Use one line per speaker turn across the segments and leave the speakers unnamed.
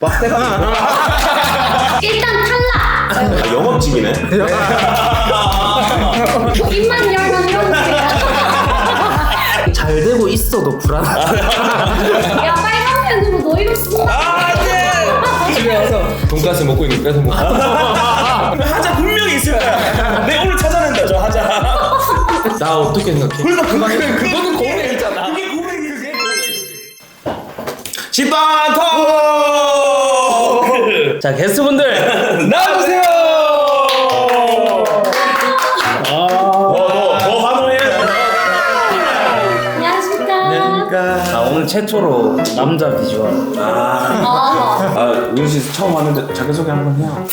빡대가
일단 탈락.
영업직이네.
입만 열면 이러는데요.
잘 되고 있어도 불안하다.
야 빨간 펜으로 너 이름 쓴다.
집에 와서 돈가스 먹고 있는 뺏어 먹고.
하자 분명히 있을 거야. 내가 오늘 찾아낸다 저 하자.
나 어떻게 생각해?
그러니까
그거는 고민이잖아.
그게 고백이지. 식빵 톡!
자, 게스트분들
나와주세요! 더 환호해.
안녕하십니까.
자, 오늘 최초로 남자 비주얼.
윤 씨 처음 왔는데 자기소개 한번 해요.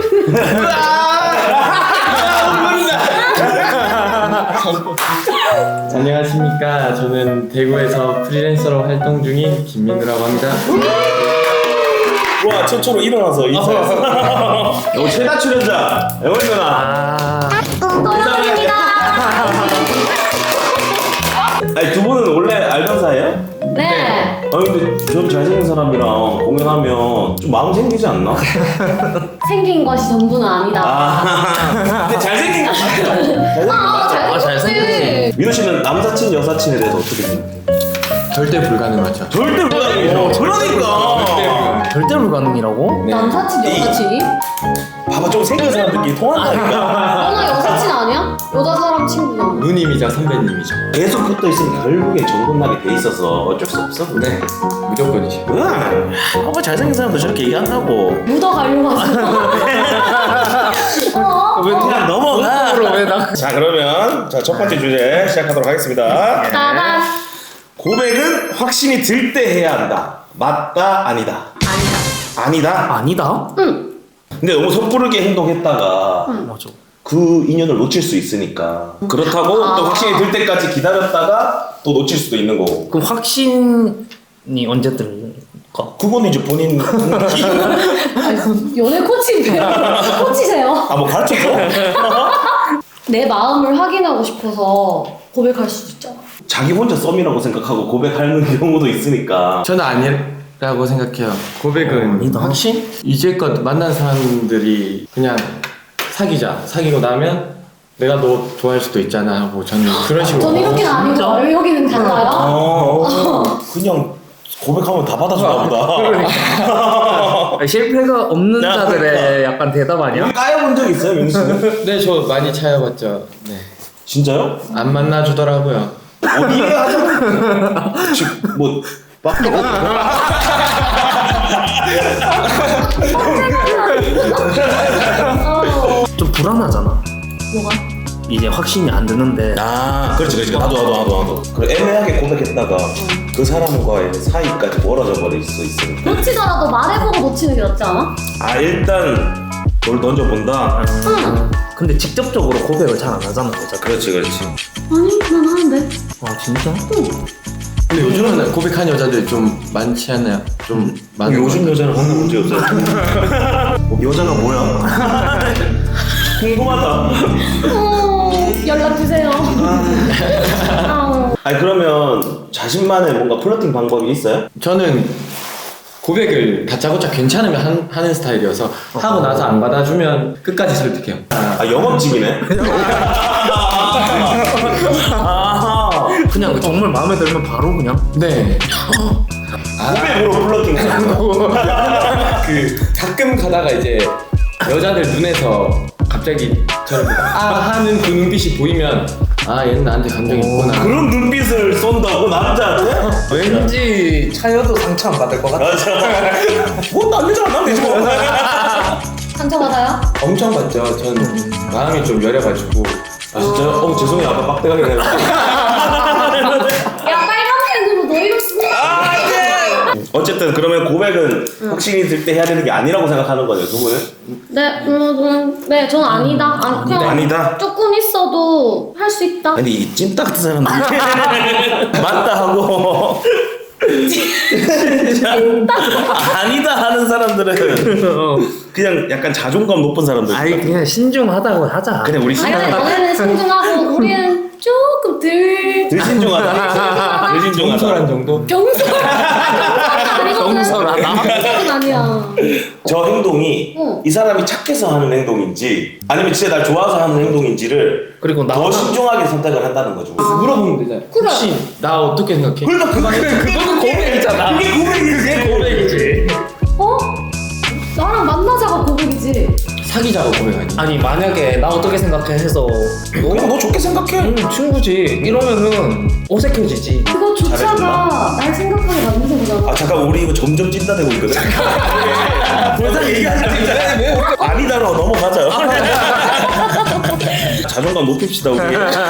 안녕하십니까. 저는 대구에서 프리랜서로 활동 중인 김민우라고 합니다.
와 최초로 일어나서 인사했어. 너 최다 출연자 애월 누나.
떠나갑니다.
아니 두 분은 원래 알던 사이예요?
네.
아니 근데 전 잘생긴 사람이랑 공연하면 좀 마음 생기지 않나?
생긴 것이 전부는 아니다.
근데 잘생긴 거 맞죠?
잘생겼지.
민호 씨는 남사친 여사친에 대해서 어떻게 생각해요?
절대 불가능하죠.
절대 불가능해요. 그러니까.
절대 불가능이라고?
네.
남사친 여사친이?
봐봐 좀 생긴 사람들끼리 통한다니까.
너나 여사친 아니야? 여자 사람 친구잖아.
누님이자 선배님이죠.
계속 붙어 있으면 결국에 정분나게 돼 있어서 어쩔 수 없어.
네, 무조건이죠.
응. 봐봐 잘생긴 사람도 저렇게 얘기한다고.
묻어가려고 하지.
왜
그냥 넘어가.
왜 나?
자 그러면 첫 번째 주제 시작하도록 하겠습니다.
따단.
고백은 확신이 들 때 해야 한다. 맞다 아니다. 아니다.
아니다?
응.
근데 너무 섣부르게 행동했다가
맞아.
그 인연을 놓칠 수 있으니까 그렇다고 또 확신이 들 때까지 기다렸다가 또 놓칠 수도 있는 거고.
그럼 확신이 언제 들까?
그건 이제 본인
아니, 연애 코치인데요? 코치세요?
뭐 가르쳐줘?
내 마음을 확인하고 싶어서 고백할 수도 있잖아.
자기 혼자 썸이라고 생각하고 고백하는 경우도 있으니까.
저는 아니라고 생각해요. 고백은
아니다.
확신? 이제껏 만난 사람들이 그냥 사귀고 나면 내가 너 좋아할 수도 있잖아 하고 저는 그런 식으로.
전 이렇게는 아니고 왜 여기는 달라요?
그냥 고백하면 다 받아주나 보다.
실패가 없는 자들의 약간 대답 아니야?
까여본 적 있어요, 민수 씨는?
네, 저 많이 차여봤죠. 네.
진짜요?
안 만나주더라고요.
어디에 하자? 지금 뭐
좀 불안하잖아.
뭐가?
이제 확신이 안 드는데.
아, 그렇지. 나도. 그래, 애매하게 고백했다가 그 사람과의 사이까지 멀어져 버릴 수 있으니까.
놓치더라도 말해보고 놓치는 게 낫지 않아?
아, 일단 뭘 던져본다.
응.
근데 직접적으로 고백을 잘 안 하잖아, 여자.
그렇지.
아니 난 하는데.
아 진짜?
근데 요즘은 고백한 여자들 좀 많지 않나요? 좀 많은
요즘
것
여자는 항상 문제 없어요. 여자가 뭐야? 궁금하다.
연락 주세요.
아니 그러면 자신만의 뭔가 플러팅 방법이 있어요?
저는 고백을 다짜고짜 괜찮으면 하는 스타일이어서 하고 나서 안 받아주면 끝까지 설득해요.
아, 영업직이네.
그냥 정말 마음에 들면 바로 그냥.
네.
고백으로 플러팅.
그 가끔 가다가 이제 여자들 눈에서 갑자기 저렇게 하는 그 눈빛이 보이면 아 얘는 나한테 감정이 있구나.
그런 눈빛을 쏜다고 남자한테?
왠지 차여도 상처 안 받을 것 같아.
맞아. 뭐안 되잖아. 난 되지 뭐.
상처받아요?
엄청 받죠. 전 마음이 좀 여려가지고.
아 진짜요? 죄송해요. 아까 빡대가게 내가.
야 빨간 펜으로 너 이름 쓴다.
어쨌든 그러면 고백은 확신이 들 때 해야 되는 게 아니라고 생각하는 거죠, 두 분은?
네, 저는 아니다. 그냥
아니다?
조금 있어도 할 수 있다.
아니 이 찜닭 같은 사람들 맞다 하고 아니다 하는 사람들은 그냥 약간 자존감 높은 사람들.
아니 그냥 신중하다고 하자.
그냥 우리
아니,
신앙.
너네는 신중하고 우리는 조금 덜
덜 신중하다. 덜 신중하다.
경솔한 정도?
경솔하다.
경솔하다?
경솔은 아니야.
저 행동이
응.
이 사람이 착해서 하는 행동인지 아니면 진짜 날 좋아서 하는 행동인지를
그리고
더 신중하게 선택을 한다는 거죠.
물어보면 되잖아.
그래.
혹시 나 어떻게 생각해?
그러니까
그거는 고백이잖아.
그게 고백이지.
고백이지.
어? 나랑 만나자가 고백이지.
사귀자고 고백하니?
아니 만약에 나 어떻게 생각해 해서
그냥 너 좋게 생각해.
친구지 이러면은 어색해지지.
그거조차가 날 생각하게 만드는 거잖아.
아 잠깐 우리 이거 점점 찐따되고 있거든. 벌써 얘기하자 진짜. 아니다로 넘어가자. 자존감 높입시다 우리.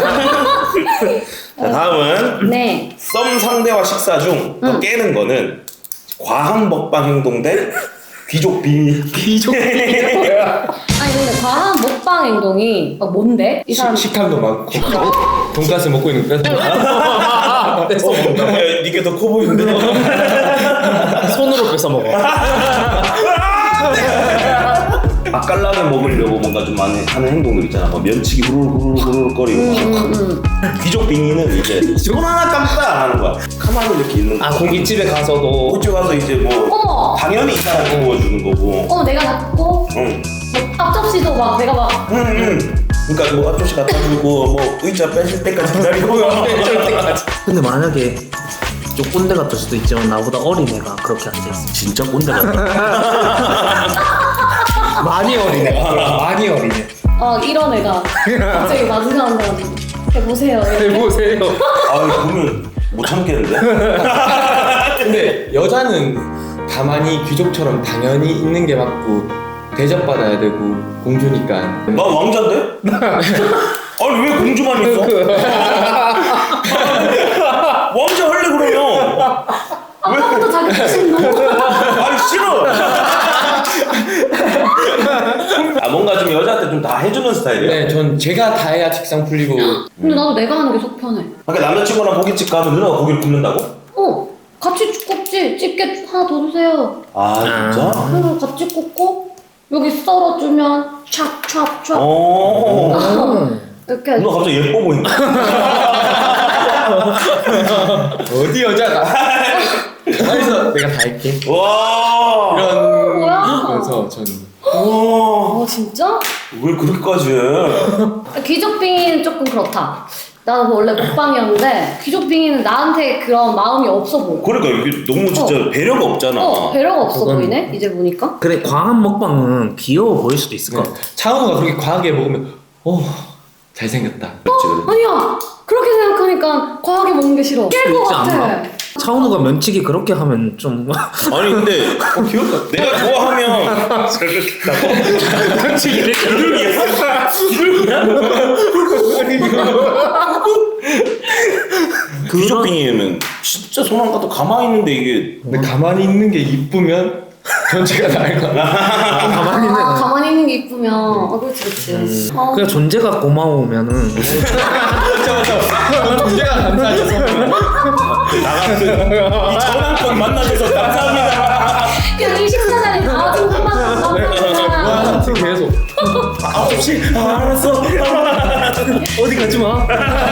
자 다음은
네.
썸 상대와 식사 중 더 깨는 거는 과한 먹방 행동 대 귀족 비밀.
비족.
아니 근데 과한 먹방 행동이 뭔데? 이 사람
식탐도 많고 돈가스 먹고 있는 거
뺏어 먹는다.
니게 더 커 보이는데.
손으로 뺏어 먹어.
맛깔나게 먹으려고 뭔가 좀 많이 하는 행동들 있잖아. 뭐 면치기 후루룩 거리고. 귀족 빙의는 이제 손 하나 깜빡 안 하는 거야. 가만히 이렇게 있는 거.
아 고깃집에 가서도
호주 가서 이제 뭐
어머!
당연히 이 사람 구워주는 거고.
내가 갖고
응.
뭐 앞접시도 막 내가 막
그러니까 뭐 앞접시 갖다 주고 뭐 의자 빼실 때까지 기다리고.
근데 만약에 좀 꼰대 같을 수도 있지만 나보다 어린 애가 그렇게 앉아있어.
진짜 꼰대 같다.
많이 어린 애. 많이 어린 애.
이런 애가 갑자기 마주하는 사람 해보세요.
해보세요.
아 이거 보면 못 참겠는데.
근데 여자는 가만히 귀족처럼 당연히 있는 게 맞고 대접받아야 되고 공주니까
나 왕자인데? 아니 왜 공주만 있어? 왕자 할래 그러면.
아까부터 자기 자신 너무
아니 싫어. 아 뭔가 좀 여자한테 좀 다 해주는 스타일이야.
네, 전 제가 다 해야 직상 풀리고
근데 나도 내가 하는 게 속 편해.
그러니까 남자친구랑 고깃집 가면 누나가 고기를 굽는다고?
같이 굽지. 집게 하나 더 주세요.
아 진짜?
그리고 같이 굽고 여기 썰어주면 찹찹찹 이렇게
누나 갑자기 예뻐 보인다.
어디 여자가 그래서 내가 다 할게
와.
이런
뭐야?
그래서 저는
와.
진짜?
왜 그렇게까지 해?
귀족빙이는 조금 그렇다. 나는 원래 먹방이었는데 귀족빙이는 나한테 그런 마음이 없어 보여.
그러니까 이게 너무 진짜 배려가 없잖아.
배려가 없어
그건-
보이네 이제 보니까.
그래 과한 먹방은 귀여워 보일 수도 있을 것 같아.
차은우가 그렇게 과하게 먹으면 잘생겼다
그렇지 그래.
아니야 그렇게 생각하니까 과하게 먹는 게 싫어. 깰 것
있지
같아.
않나? 차은우가 면치기 그렇게 하면 좀
아니 근데
귀엽다
내가 좋아하면
면치기를
귀족빙이면 진짜 손 안 가도 가만히 있는데 이게
근데 가만히 있는 게 이쁘면 전체가 나을 것 같아
가만히 있는 애.
가만히 있는 게 이쁘면 그렇지 그렇지.
그냥 존재가 고마우면은
존재가 감사하셔서
이 전환권 만나줘서 감사합니다.
그냥 이 식사자리 나와준 것만 감사합니다.
계속
혹시 알았어.
어디 가지 마.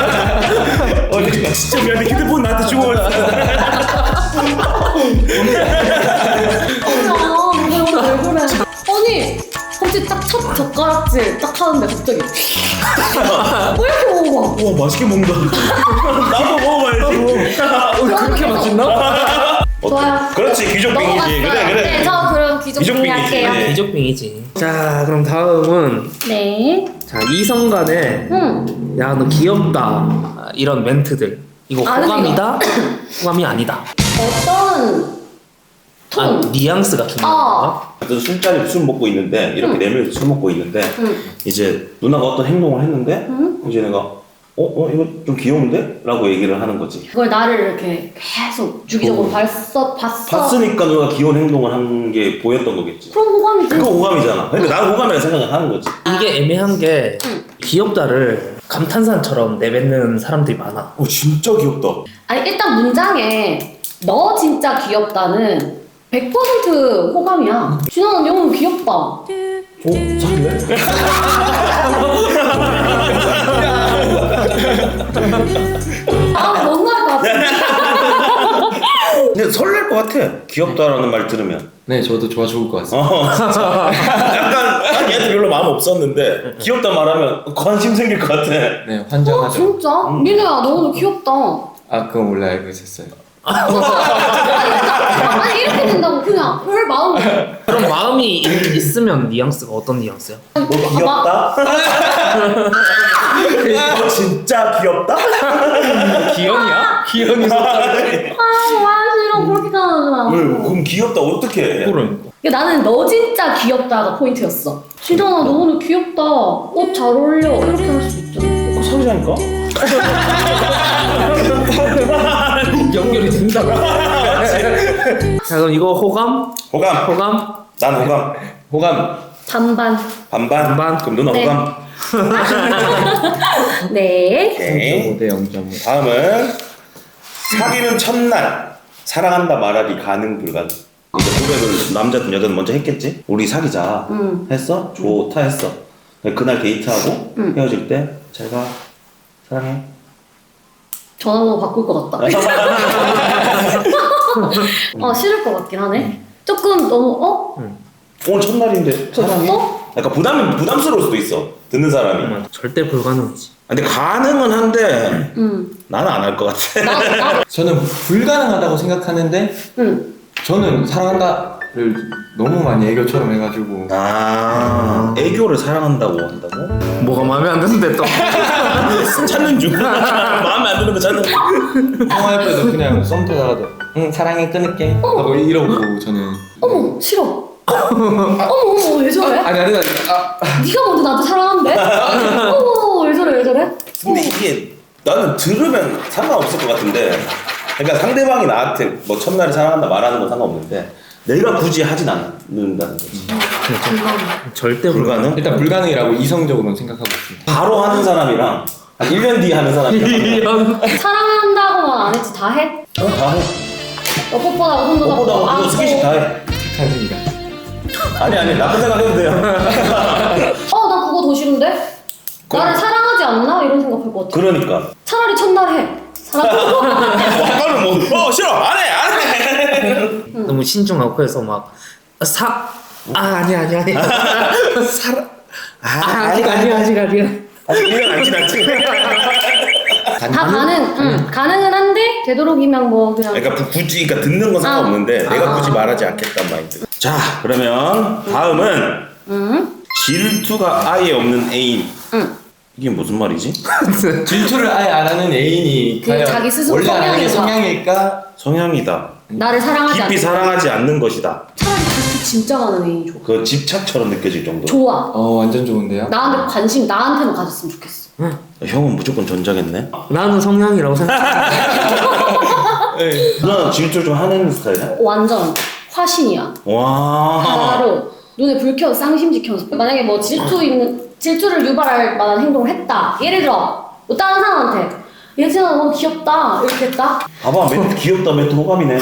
진짜 미안해. 휴대폰 나한테 주고 왔어.
왜 그래? 아니 갑자기 딱 첫 젓가락질 딱 하는데 갑자기 왜 이렇게 먹어?
와 맛있게 먹는다. 나도 먹어봐야지.
그렇게 맛있나?
좋아요.
그렇지 귀족빙이지.
넘어갔어요.
그래 그래.
네, 저 그럼 귀족빙이
귀족빙이지.
할게요.
비족빙이지. 자 그럼 다음은
네.
자 이성 간에 야 너 귀엽다 이런 멘트들 이거
아, 근데
호감이다 호감이 아니다.
어떤 톤?
아 뉘앙스가 중요한 거야?
그래서 술자리 술 먹고 있는데 이렇게 네 명이서 술 먹고 있는데 이제 누나가 어떤 행동을 했는데 이제 내가 이거 좀 귀여운데? 라고 얘기를 하는 거지.
그걸 나를 이렇게 계속 주기적으로 봤어.
봤으니까 누가 귀여운 행동을 한 게 보였던 거겠지.
그럼 호감이지.
그거 호감이잖아. 그러니까 나는 호감이라 생각을 하는 거지.
이게 애매한 게 귀엽다를 감탄사처럼 내뱉는 사람들이 많아.
진짜 귀엽다.
아니 일단 문장에 너 진짜 귀엽다는 100% 호감이야. 진아 너 너무 귀엽다.
사귈래?
아, 못 나올 것 같아.
근데 설렐 것 같아. 귀엽다라는 말 들으면.
네, 저도 좋아 죽을 것 같습니다.
약간 난 얘한테 별로 마음 없었는데 귀엽다 말하면 관심 생길 것 같아.
네,
어,
환장하죠.
진짜? 민우야, 너 오늘 귀엽다.
아, 그건 원래 알고 있었어요.
아니, 이렇게 된다고 그냥 별 마음.
그럼 마음이 있으면 뉘앙스가 어떤 뉘앙스야?
너 귀엽다? 너 진짜 귀엽다?
기현이야? 기현이
아, 와, 싫어. 그렇게 가는 거야.
왜? 그럼 귀엽다 어떻게 해?
그러니까.
나는 너 진짜 귀엽다가 포인트였어. 진정아, 너 오늘 귀엽다. 옷 잘 어울려. 이렇게 할 수 있잖아.
사귀자니까?
연결이 된다고. 자 그럼 이거 호감?
호감.
호감?
난 호감.
호감.
반반.
반반.
반반.
그럼 누나
네.
호감.
네.
오케이.
0.5대 0.5.
다음은 사귀는 첫날 사랑한다 말하기 가능 불가능. 이제 고백을 남자든 여자든 먼저 했겠지? 우리 사귀자. 했어? 좋다 했어. 그날 데이트하고 헤어질 때 제가 사랑해.
전화번호 바꿀 것 같다. 싫을 것 같긴 하네. 조금 너무
오늘 첫날인데 사랑해?
벌써?
약간 부담스러울 수도 있어. 듣는 사람이.
절대 불가능이지.
근데 가능은 한데
응.
나는 안 할 것 같아.
나.
저는 불가능하다고 생각하는데
응.
저는 사랑한다를 너무 많이 애교처럼 해가지고
애교를 사랑한다고 한다고?
뭐가 마음에 안 드는데 또.
찾는 중. 마음에 안 드는 거 찾는 중.
통화할 때도 그냥 썸 타다가도 응 사랑해 끊을게 하고 이러고 저는
어머, 싫어. 어머, 왜 저래?
아니
네가 먼저 나한테 사랑한대? 어머, 왜 저래?
근데 이게 나는 들으면 상관없을 것 같은데, 그러니까 상대방이 나한테 뭐 첫날에 사랑한다 말하는 건 상관없는데 내가 굳이 하진 않는다는 거지.
절대
불가능?
일단 불가능이라고 이성적으로는 생각하고 있습니다.
바로 하는 사람이랑 한 1년 뒤에 하는 사람이랑
사랑한다고만 안 했지, 다 해?
다 해.
너 뽀뽀하고 손도 잡고
뽀뽀다 하고 스킨십 다 해.
찬승이가
아니 나쁜 생각 해도 돼요.
나 그거 더 싫은데? 나를 사랑하지 않나? 이런 생각할 것 같아.
그러니까
차라리 첫날 해. 사랑하고.
아까는 뭐 싫어 안 해.
너무 신중하고 해서 막 아니야 아직 아니야
아직 1년 안 지났지.
다 가능은 한데 되도록이면 뭐 그냥.
그러니까 굳이 그러니까 듣는 건 상관없는데 내가 굳이 말하지 않겠다는 마인드. 자 그러면 다음은 질투가 아예 없는 애인. 이게 무슨 말이지?
질투를 아예 안 하는 애인이
그
과연
자기 스스로
원래 아는 게
성향인가?
성향일까?
성향이다.
나를 사랑하지
깊이
않는.
사랑하지 않는 것이다.
차라리 그렇게 진짜 많은 애인이 좋아.
그 집착처럼 느껴질 정도.
좋아.
완전 좋은데요?
나한테만 가졌으면 좋겠어.
형은 무조건 전자겠네.
나는 성향이라고 생각해.
누나는 질투 좀 하는 스타일이야?
완전 화신이야.
와.
바로 눈에 불 켜서 쌍심지 켜서 만약에 뭐 질투를 유발할 만한 행동을 했다. 예를 들어 뭐 다른 사람한테 예진아 너무 귀엽다 이렇게 했다.
봐봐 멘트 귀엽다 멘트 호감이네.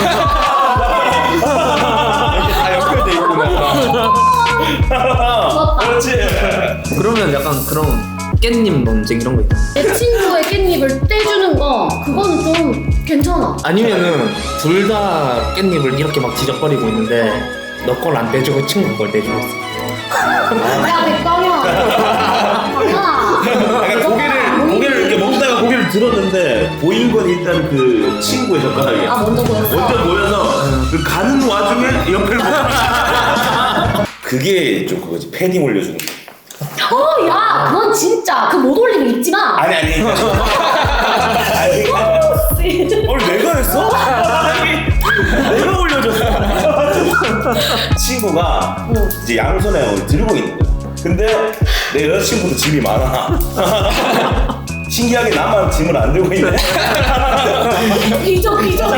다 연결돼 있구나.
좋았다.
그렇지.
그러면 약간 그런 깻잎 논쟁 이런 거 있다.
내 친구의 깻잎을 떼주는 거 그건 좀 괜찮아.
아니면은 둘 다 깻잎을 이렇게 막 지적거리고 있는데 너 걸 안 떼주고 친구 걸 떼주고 있어.
야 백광이야. 당연아.
약간 고개를 이렇게 먹다가 고개를 들었는데 보인 건 일단 그 친구의 젓가락이야.
아 먼저 보였어.
먼저 보여서 그 가는 와중에 옆을 보고. 그게 좀 그거지. 패딩 올려주는 거.
야 그건 진짜 그 못 올리면 잊지 마.
아니. 아니. 내가 했어? 내가 올려줬어. 친구가 이제 양손에 들고 있는 거야. 근데 내 여자친구도 짐이 많아. 신기하게 나만 짐을 안 들고 있네.
비적.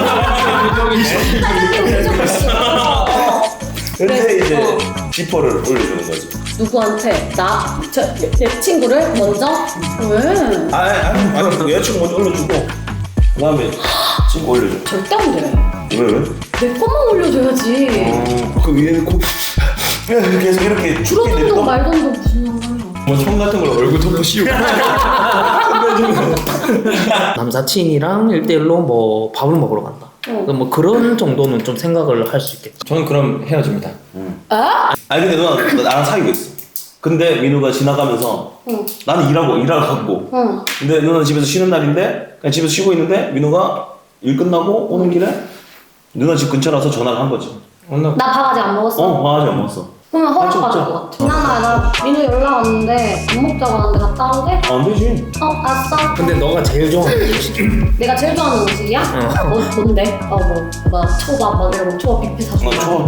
근데 이제 지퍼를 올려주는 거지.
누구한테? 내 친구를 먼저? 왜?
아니 여자친구 먼저 올려주고 그 다음에 친구 올려줘.
절대 안 돼.
왜?
내 것만 올려줘야지.
그 위에는 계속 이렇게
줄어든다고 말던도 무슨 상관이야.
뭐 총 같은 걸 얼굴 덮고 씌우고.
근데
남사친이랑 1대1로 뭐 밥을 먹으러 간다. 뭐 그런 정도는 좀 생각을 할 수 있겠죠.
저는 그럼 헤어집니다.
아니 근데 누나 나랑 사귀고 있어. 근데 민우가 지나가면서 나는 일하고 갔고. 근데 누나는 집에서 쉬는 날인데 그냥 집에서 쉬고 있는데 민우가 일 끝나고 오는 길에 누나 집 근처라서 전화를 한 거지.
나 밥 아직 안 먹었어.
바가지 안 먹었어.
그러면 허락받을 것 같아. 지난날 나 민우 연락 왔는데 밥 먹자고 하는데 갔다 오게?
안 되지.
알았어.
근데 너가 제일 좋아하는 음식.
내가 제일 좋아하는 음식이야? 뭔데? 뭐 초밥 막 이런 거 초밥 뷔페 사주고.
나 좋아.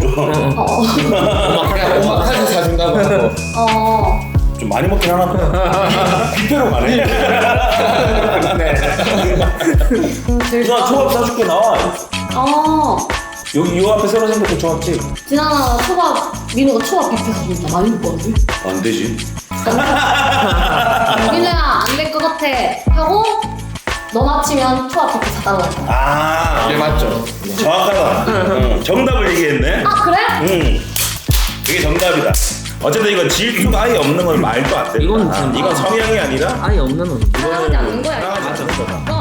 그냥 오마카세 사준다고 하고.
좀 많이 먹긴 하나 보다. 뷔페로 가네. 누나 초밥 사줄게 나와. 여기 요 앞에 새로 생겼던 초밥집.
지난날 초밥 민우가 초밥 뷔페 사준다. 많이 먹거든.
안 되지.
민우야 안 될 것 같아 하고 너 마치면 초밥 뷔페 사달라고 했다.
네 맞죠.
정확하다. 정답을 얘기했네.
그래?
그게 정답이다. 어쨌든 이건 질투가 아예 없는 건 말도 안 돼.
이건
이건 성향이 아니라
아예 없는 놈.
사랑하지 않는 거야.
사랑하지 않는 거다.